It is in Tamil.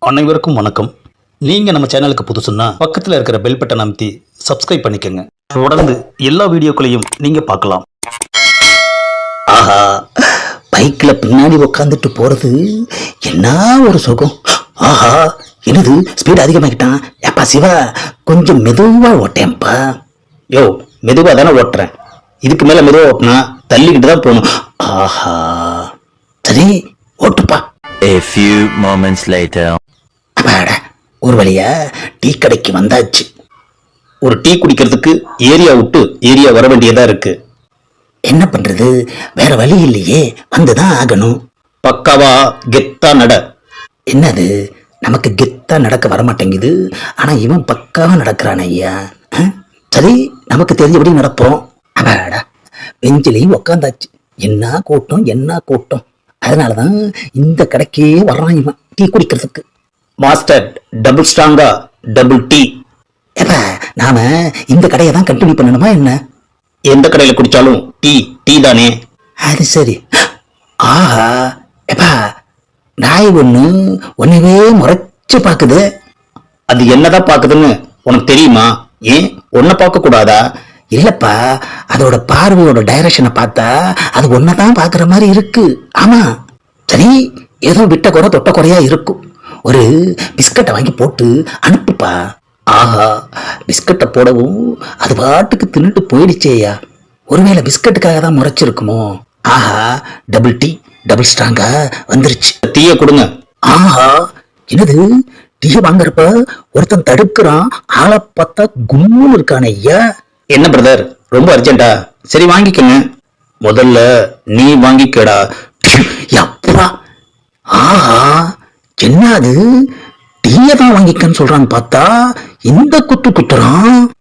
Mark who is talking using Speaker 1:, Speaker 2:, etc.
Speaker 1: அனைவருக்கும் வணக்கம். நீங்க நம்ம சேனலுக்கு புதுசுன்னா பக்கத்துல இருக்கிற பெல் பட்டன் அமைத்தி சப்ஸ்கிரைப் பண்ணிக்கங்க. தொடர்ந்து எல்லா வீடியோக்களையும் நீங்க பார்க்கலாம்.
Speaker 2: ஆஹா, பைக்ல பின்னாடி உட்காந்துட்டு போறது என்ன ஒரு சுகம். ஆஹா, என்னது ஸ்பீட் அதிகமாக்கிட்டான். ஏப்பா சிவா, கொஞ்சம் மெதுவா ஓட்டேன்ப்பா. யோ, மெதுவா தானே ஓட்டுறேன். இதுக்கு மேல மெதுவா ஓட்டினா தள்ளிக்கிட்டு தான் போகணும். ஆஹா, சரி ஓட்டுப்பா.
Speaker 3: A few moments later.
Speaker 2: அப்பாடா, ஒரு வழியா டீ கடைக்கு வந்தாச்சு.
Speaker 1: ஒரு டீ குடிக்கிறதுக்கு ஏரியா விட்டு ஏரியா வர வேண்டியதா இருக்கு.
Speaker 2: என்ன பண்றது, வேற வழி இல்லையே, வந்துதான் ஆகணும்.
Speaker 1: பக்காவா கெத்தா நட.
Speaker 2: என்னது, நமக்கு கெத்தா நடக்க வரமாட்டேங்குது, ஆனா இவன் பக்காவா நடக்கிறான் ஐயா. சரி, நமக்கு தெரிஞ்சபடி நடப்போம். அப்பாடா, பெஞ்சிலையும் உக்காந்தாச்சு. என்ன கூட்டம், என்ன கூட்டம். அதனாலதான் இந்த கடைக்கே வர்றான் இவன் டீ குடிக்கிறதுக்கு.
Speaker 1: மாஸ்டர் டபுள் ஸ்ட்ராங்கா டபுள் டீ.
Speaker 2: ஏப்பா, நாம இந்த கடையை தான் கண்டினியூ பண்ணணுமா என்ன?
Speaker 1: எந்த கடையில குடிச்சாலும் டீ டீ தானே.
Speaker 2: அது சரி. ஆஹா, ஏப்பா, நாய் ஒண்ணு ஒன்னவே முறைச்சு பாக்குது.
Speaker 1: அது என்னதான் பாக்குதுன்னு உனக்கு தெரியுமா? ஏன் உன்னை பார்க்க கூடாதா?
Speaker 2: இல்லப்பா, அதோட பார்வையோட டைரக்ஷனை பார்த்தா அது ஒன்னதான் பாக்குற மாதிரி இருக்கு. ஆமா, சரி, ஏதோ விட்ட குறை தொட்ட குறையா இருக்கும். ஒரு பிஸ்கட்டை வாங்கி போட்டு அனுப்புப்பா. ஆஹா, பிஸ்கட்டை போடவும் அது பாட்டுக்கு தின்னுட்டு போயிடுச்சேயா. ஒருவேளை பிஸ்கட்டுக்காக தான் முறைச்சிருக்குமோ? ஆஹா, டபுள் டீ டபுள் ஸ்ட்ராங்கா வந்துருச்சு.
Speaker 1: டீயை கொடுங்க.
Speaker 2: ஆஹா, என்னது, டீ வாங்குறப்ப ஒருத்தன் தடுக்கிறான். ஆளை பார்த்தா கும்முன்னு இருக்கான ஐயா.
Speaker 1: என்ன பிரதர், ரொம்ப அர்ஜென்ட்டா? சரி வாங்கிக்கங்க. முதல்ல நீ வாங்கிக்கடா.
Speaker 2: அப்பா, ஆஹா, என்னது, டீயை தான் வாங்கிக்கன்னு சொல்றான்னு பார்த்தா இந்த குத்து குத்துறான்.